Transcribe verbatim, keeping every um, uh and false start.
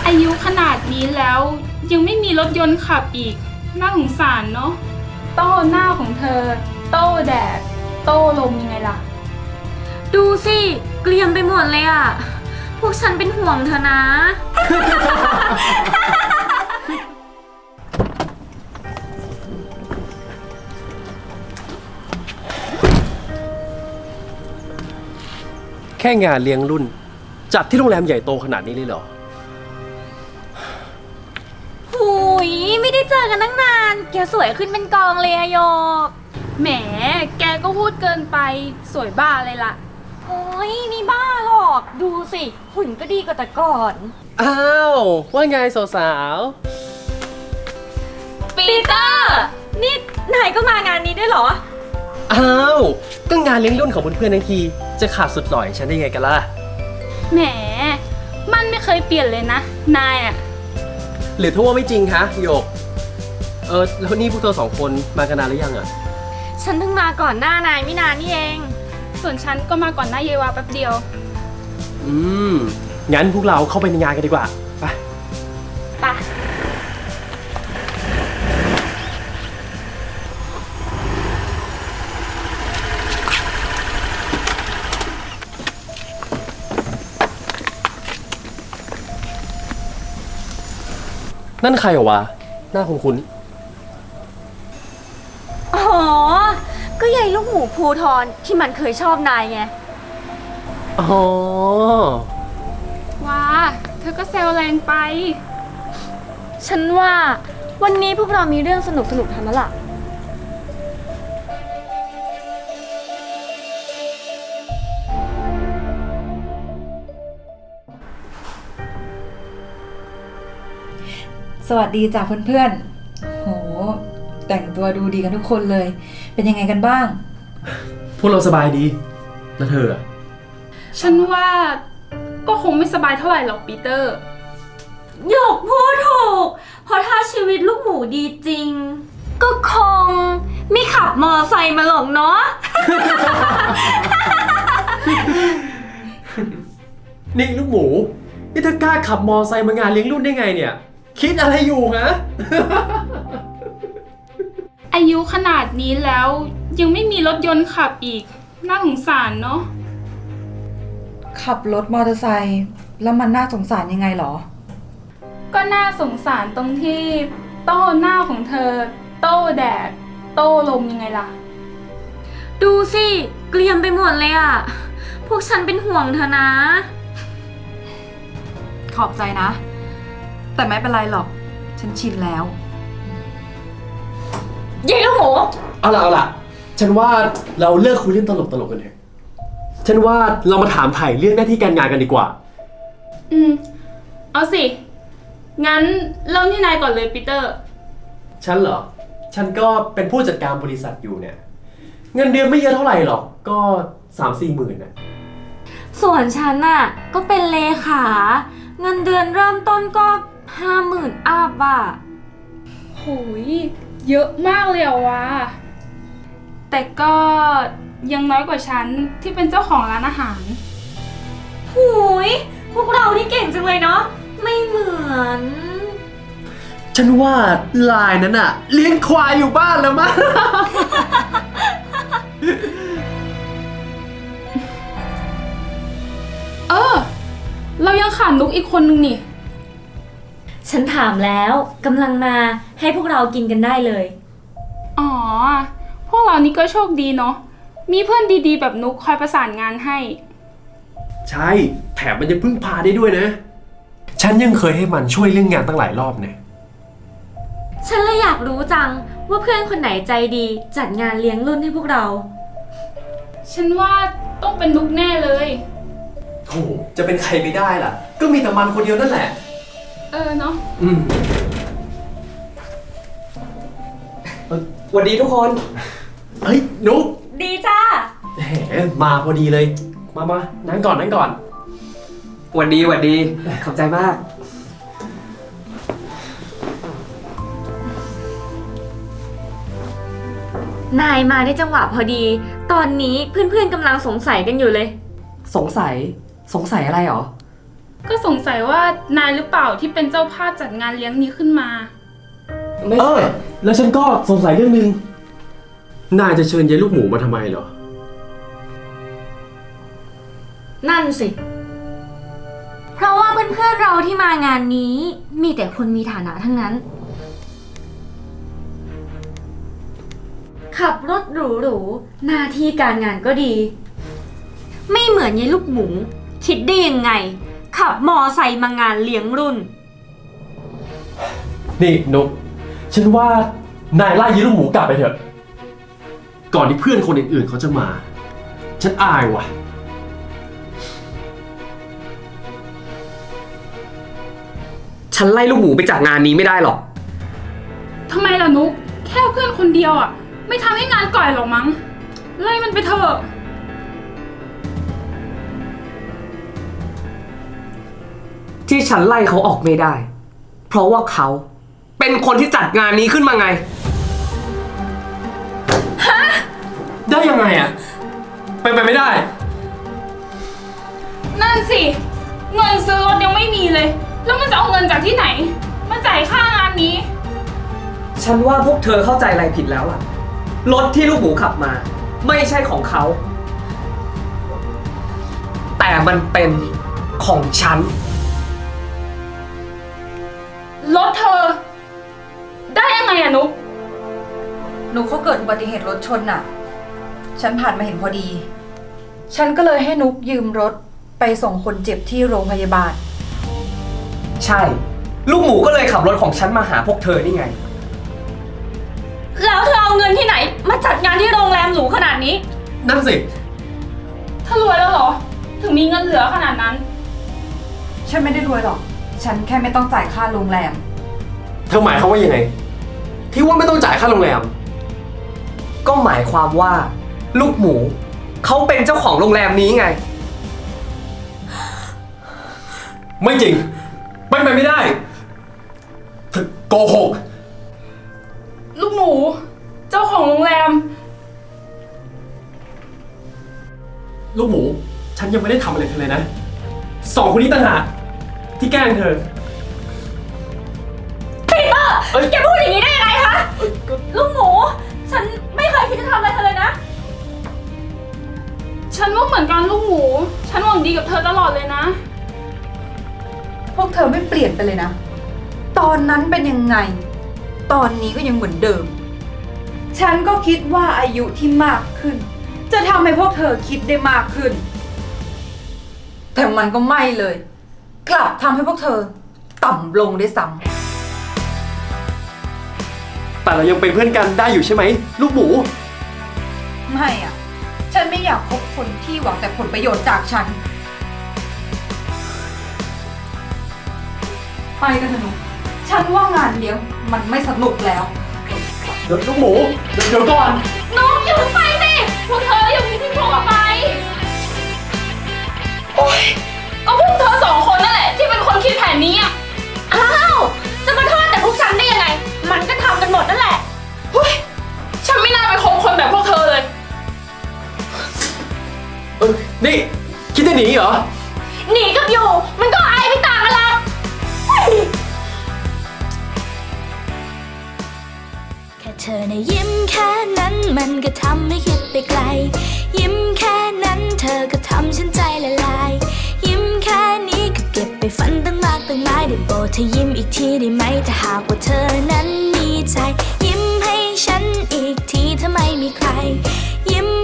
อายุขนาดนี้แล้วยังไม่มีรถยนต์ขับอีกน่าสงสารเนาะโต้หน้าของเธอโต้แดดโต้ลมยังไงล่ะดูสิเกลียมไปหมดเลยอ่ะพวกฉันเป็นห่วงเธอนะแค่งานเลี้ยงรุ่นจัดที่โรงแรมใหญ่โตขนาดนี้เลยเหรอหุยไม่ได้เจอกันตั้งนานแกสวยขึ้นเป็นกองเลยอะโยกแหมแกก็พูดเกินไปสวยบ้าเลยล่ะโอ้ยนี่บ้าหรอกดูสิหุ่นก็ดีกว่าแต่ก่อนอ้าวว่าไงสาวปีเตอร์นี่นายก็มางานนี้ด้วยเหรอๆอ้าวก็งานเลี้ยงรุ่นของเพื่อนๆทั้งทีจะขาดสุดหล่อยฉันได้ไงกันล่ะแหมมันไม่เคยเปลี่ยนเลยนะนายอะหรือถ้าว่าไม่จริงฮะโยกเออแล้วนี่พวกเธอสองคนมากันนานหรือยังอะฉันเพิ่งมาก่อนหน้านายไม่นานนี่เองส่วนฉันก็มาก่อนหน้าเยวาแป๊บเดียวอืมงั้นพวกเราเข้าไปในงานกันดีกว่าไปไปนั่นใครเหรอวะหน้าคุ้นอ๋อก็ยายลูกหมูภูทรที่มันเคยชอบนายไงๆอ๋อว้าเธอก็แซวแรงไปฉันว่าวันนี้พวกเรามีเรื่องสนุกสนุกทำแล้วล่ะสวัสดีจ้ะเพื่อนๆโหแต่งตัวดูดีกันทุกคนเลยเป็นยังไงกันบ้างพวกเราสบายดีแล้วเธออะฉันว่าก็คงไม่สบายเท่าไหร่หรอกปีเตอร์หยกพูดถูกเพราะถ้าชีวิตลูกหมูดีจริงก็คงไม่ขับมอไซค์มาหรอกเนาะนี่ลูกหมูนี่เธอกล้าขับมอไซค์มางานเลี้ยงรุ่นได้ไงเนี่ยคิดอะไรอยู่ฮะอายุขนาดนี้แล้วยังไม่มีรถยนต์ขับอีกน่าสงสารเนาะขับรถมอเตอร์ไซค์แล้วมันน่าสงสารยังไงหรอก็น่าสงสารตรงที่โต้หน้าของเธอโต้แดดโต้ลมยังไงล่ะดูสิเกลียมไปหมดเลยอ่ะพวกฉันเป็นห่วงเธอนะขอบใจนะแต่ไม่เป็นไรหรอกฉันชินแล้วเย้ลูกหมูเอาล่ะเอาล่ะฉันว่าเราเลิกคุยเรื่องตลกตลกกันเถอะฉันว่าเรามาถามถ่ายเรื่องหน้าที่การงานกันดีกว่าอืมเอาสิงั้นเริ่มที่นายก่อนเลยปีเตอร์ฉันเหรอฉันก็เป็นผู้จัดการบริษัทอยู่เนี่ยเงินเดือนไม่เยอะเท่าไหร่หรอกก็สามสี่หมื่นน่ะส่วนฉันน่ะก็เป็นเลขาเงินเดือนเริ่มต้นก็ห้าหมื่นอัพอ่ะโหยเยอะมากเลยอะวะแต่ก็ยังน้อยกว่าฉันที่เป็นเจ้าของร้านอาหารหูยพวกเราที่เก่งจังเลยเนาะไม่เหมือนฉันว่าลายนั้นอะเลี้ยงควายอยู่บ้านแล้วมั้งเออเรายังขาดนุกอีกคนนึงนี่ฉันถามแล้วกำลังมาให้พวกเรากินกันได้เลยอ๋อพวกเรานี่ก็โชคดีเนาะมีเพื่อนดีๆแบบนุกคอยประสานงานให้ใช่แถมมันยังพึ่งพาได้ด้วยนะฉันยังเคยให้มันช่วยเรื่องงานตั้งหลายรอบเนี่ยฉันเลยอยากรู้จังว่าเพื่อนคนไหนใจดีจัดงานเลี้ยงรุ่นให้พวกเราฉันว่าต้องเป็นนุกแน่เลยโอ้จะเป็นใครไปได้ล่ะก็มีแต่มันคนเดียวนั่นแหละเออเนาะอืมสวัสดีทุกคนเฮ้ยนุ๊กดีจ้าแหมมาพอดีเลยมามานั่งก่อนนั่งก่อนหวัดดีหวัดดีขอบใจมากนายมาได้จังหวะพอดีตอนนี้เพื่อนๆกำลังสงสัยกันอยู่เลยสงสัยสงสัยอะไรหรอก็สงสัยว่านายหรือเปล่าที่เป็นเจ้าภาพจัดงานเลี้ยงนี้ขึ้นมาไม่เอใช่อ แล้วฉันก็สงสัยเรื่องหนึ่งนายจะเชิญยายลูกหมูมาทำไมเหรอนั่นสิ เพราะว่าเพื่อนๆเราที่มางานนี้ มีแต่คนมีฐานะทั้งนั้น ขับรถหรูๆหน้าที่การงานก็ดี ไม่เหมือนยายลูกหมู คิดได้ยังไง ขับมอไซค์มางานเลี้ยงรุ่นนี่นุกฉันว่านายไล่ยายลูกหมูกลับไปเถอะ ก่อนที่เพื่อนคนอื่นๆเขาจะมา ฉันอายว่ะฉันไล่ลูกหมูไปจากงานนี้ไม่ได้หรอกทำไมล่ะนุก แค่เพื่อนคนเดียวอ่ะ ไม่ทำให้งานก่อยหรอกมั้ง ไล่มันไปเถอะที่ฉันไล่เขาออกไม่ได้ เพราะว่าเขาเป็นคนที่จัดงานนี้ขึ้นมาไงได้ยังไงอ่ะไปนไปไม่ได้นั่นสิ เงินซื้อรถยังไม่มีเลย แล้วมันจะเอาเงินจากที่ไหน มาจ่ายค่างานนี้ฉันว่าพวกเธอเข้าใจอะไรผิดแล้วล่ะ รถที่ลูกหมูขับมา ไม่ใช่ของเขา แต่มันเป็นของฉันรถเธอ ได้ยังไงอะนุกนุกเขาเกิดอุบัติเหตุรถชนน่ะ ฉันผ่านมาเห็นพอดี ฉันก็เลยให้นุกยืมรถไปส่งคนเจ็บที่โรงพยาบาลใช่ ลูกหมูก็เลยขับรถของฉันมาหาพวกเธอนี่ไงแล้วเธอเอาเงินที่ไหน มาจัดงานที่โรงแรมหรูขนาดนี้นั่นสิถ้ารวยแล้วเหรอ ถึงมีเงินเหลือขนาดนั้นฉันไม่ได้รวยหรอก ฉันแค่ไม่ต้องจ่ายค่าโรงแรมเธอหมายความว่ายังไง ที่ว่าไม่ต้องจ่ายค่าโรงแรมก็หมายความว่า ลูกหมูเขาเป็นเจ้าของโรงแรมนี้ไงไม่จริงไม่ไปไม่ได้เธอโกหกลูกหมู เจ้าของโรงแรมลูกหมู ฉันยังไม่ได้ทำอะไรเธอเลยนะ สองคนนี้ต่างหากที่แกล้งเธอปีเตอร์แกพูดอย่างนี้ได้ยังไงคะ ลูกหมู ฉันไม่เคยคิดจะทำอะไรเธอเลยนะฉันว่าเหมือนกันลูกหมู ฉันหวังดีกับเธอตลอดเลยนะพวกเธอไม่เปลี่ยนไปเลยนะ ตอนนั้นเป็นยังไง ตอนนี้ก็ยังเหมือนเดิม ฉันก็คิดว่าอายุที่มากขึ้น จะทำให้พวกเธอคิดได้มากขึ้น แต่มันก็ไม่เลย กลับทำให้พวกเธอ ต่ำลงด้วยซ้แต่เรายังเป็นเพื่อนกันได้อยู่ใช่ไหม ลูกหมูำไม่อ่ะ ฉันไม่อยากคบคนที่หวังแต่ผลประโยชน์จากฉัน ไปกันเถอะหนูฉันว่างานเลี้ยงมันไม่สนุกแล้วเดี๋ยวลูกหมู เดี๋ยวเดี๋ยวก่อนน้องอย่าเพิ่งไปสิ พวกเธออย่าเพิ่งทิ้งพวกออกไป โอ๊ย ก็พวกเธอสองคนนั่นแหละที่เป็นคนคิดแผนนี้อ่ะอ้าว จะมาโทษแต่พวกฉันได้ยังไง มันก็ทำกันหมดนั่นแหละเฮ้ย ฉันไม่น่าไปคบคนแบบพวกเธอเลยเออนี่ คิดจะหนีเหรอหนีกับอยู่ มันก็อายไม่ต่างกันหรอกเฮ้ยแค่เธอนะยิ้มแค่นั้นมันก็ทำให้คิดไปไกล ยิ้มแค่นั้นเธอก็ทำฉันใจละลาย ยิ้มแค่นี้ก็เก็บไปฝันตั้งมากตั้งหลายได้โปรดเธอยิ้มอีกทีได้ไหมถ้าหากว่าเธอนั้นมีใจ ยิ้มให้ฉันอีกทีถ้าไม่มีใคร ยิ้ม